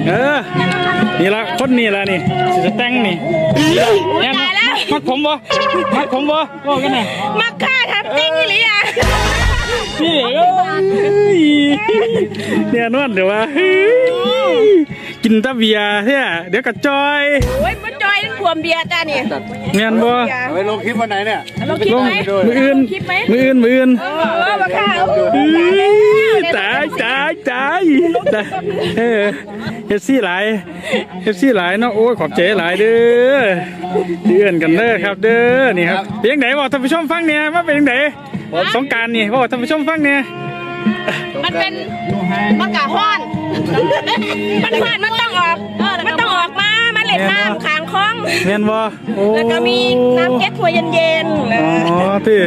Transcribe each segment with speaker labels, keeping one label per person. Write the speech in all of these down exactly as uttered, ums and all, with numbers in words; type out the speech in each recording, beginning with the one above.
Speaker 1: เออนี่ละคนนี่ละนี่จะแต่งนี่เนี่ยมักผมบ่มักผมบ่บอกกันหน่อย
Speaker 2: มักฆ่าทำติ้งหรือยัง
Speaker 1: นี่เนี่ยนวดเดี๋ยวว่ากินตะเบียร์เนี่ยเดี๋ยวกระจอย
Speaker 2: โอ้ยมันจอยนั่นขวมเบียร์จ้านี่
Speaker 1: เงียนบ่
Speaker 3: ไปลงคลิปวันไหนเนี่ย
Speaker 2: ลงคลิปไหม
Speaker 1: มืออื่นมืออื่นมืออื่น
Speaker 2: เออมาฆ่า
Speaker 1: ตายตายตายเออเอฟซีหลายเอฟซีหลายเนาะโอ้ยขอบใจหลายเด้อเดือนกันเด้อครับเด้อนี่ครับเพียงไหนบอกท่านผู้ชมฟังเนี่ยว่าเป็นยังไงสงการนี่บอกท่านผู้ชมฟังเนี่ย
Speaker 2: มันเป็นมะกะฮ้อนมันฮ้อนมันต้องออกมันต้องออกมามาเล่นน้ำขางคล้อง
Speaker 1: เมียนบ่
Speaker 2: แล้วก็มีน้ำเก็ตถั่วเย็นๆ
Speaker 1: อ๋อพี่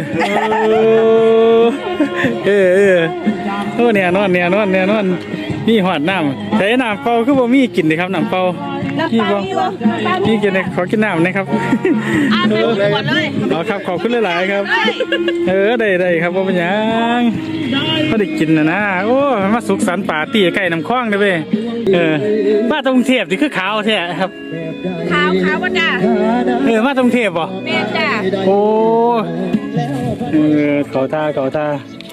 Speaker 1: เออเออโอ้เนี่ยนอนเนี่ยนอนเนี่ยนอนมีหอดน้ำแต่น้ำเปล่าคือบ่มีกินเลยครับน้ำเปล่าพี่บ่พี่กินเลยขอกินน้ำนะครับ
Speaker 2: เออ
Speaker 1: อ๋อครับขอบคุณหลายๆครับเออได้ได้ครับว่าเป็นยังก็ได้กินนะนะโอ้มาสุขสันต์ปาร์ตี้ใกล้น้ำคลองเลยเว้ยเออมาตรงเทพนี่คือขาวแท้ครับ
Speaker 2: ขาวขาวว่าจ้า
Speaker 1: เออมาตรงเทพบ่
Speaker 2: แม่จ้า
Speaker 1: โอ้เออเขาท่าเขาท่า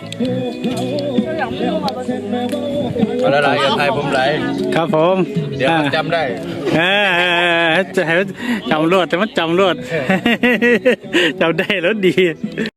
Speaker 3: อะไรกันไทยผมไหล
Speaker 1: ครับผม
Speaker 3: เดี๋ยวจำได้
Speaker 1: เออจะให้จำรวดแต่มันจำรวดจำได้แล้วดี